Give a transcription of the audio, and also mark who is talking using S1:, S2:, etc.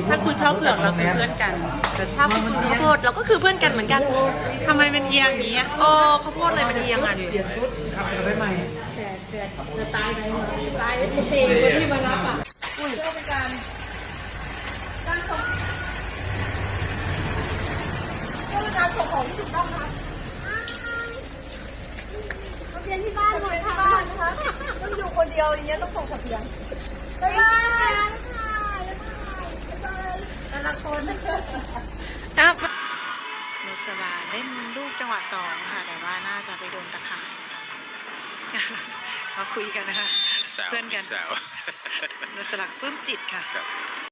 S1: ถ้าคุณชอบเผือกเราคือเพื่อนกันแต่ถ้าคุณข้าวโพดเราก็คือเพื่อนกันเหมือนกันทำไมเป็นเอียงอย่างนี้โอ้ข้าวโพดเลยมันเอียงอ่ะดิ
S2: เปลี่ยนชุดขับไปใหม่
S3: จะตายไหมตายไอ้เซคนที่มารับอ่ะอุ้ยก็เป็นการส่งของที่ถูกต้องค่ะทะเบียนที่บ้านหมดทางบ้านนะคะต้องอยู่คนเดียวอย่างเงี้ยต้องส่งทะเบียนบ๊ายบายแต่ละคน
S1: ครับนุสราเล่นลูกจังหวะ2ค่ะแต่ว่าน่าจะไปโดนตะข่ายเขาคุยกันนะคะเพื่อนกันนุสราปลื้มจิตค่ะ